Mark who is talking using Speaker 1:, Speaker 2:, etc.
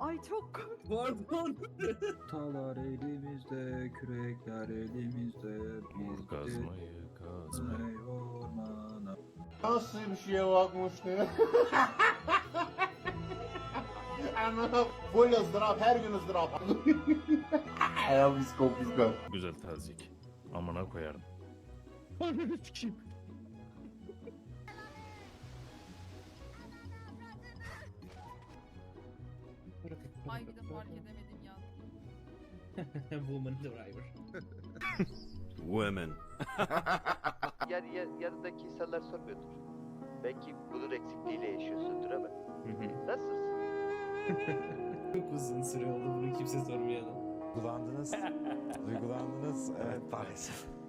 Speaker 1: Ay çok korktum.
Speaker 2: Pardon.
Speaker 3: Talar elimizde, kürekler elimizde.
Speaker 4: Vur kazmayı kazma.
Speaker 3: Ey ormana.
Speaker 5: Nasıl bir şeye bakmıştı? Anladım. Full ızdırap, her gün ızdırap. Ya psikop.
Speaker 4: Güzel tazik. Amına koyarım.
Speaker 2: Ananı sikeyim.
Speaker 1: Ay bir de fark edemedim ya.
Speaker 2: Woman driver.
Speaker 4: Women.
Speaker 6: Yani yanındaki insanlar sormuyordur. Belki bunun eksikliğiyle yaşıyorsundur ama. Nasılsın?
Speaker 2: Çok uzun süre oldu bunu kimse sormayalım.
Speaker 7: Duygulandınız. Duygulandınız. Evet maalesef.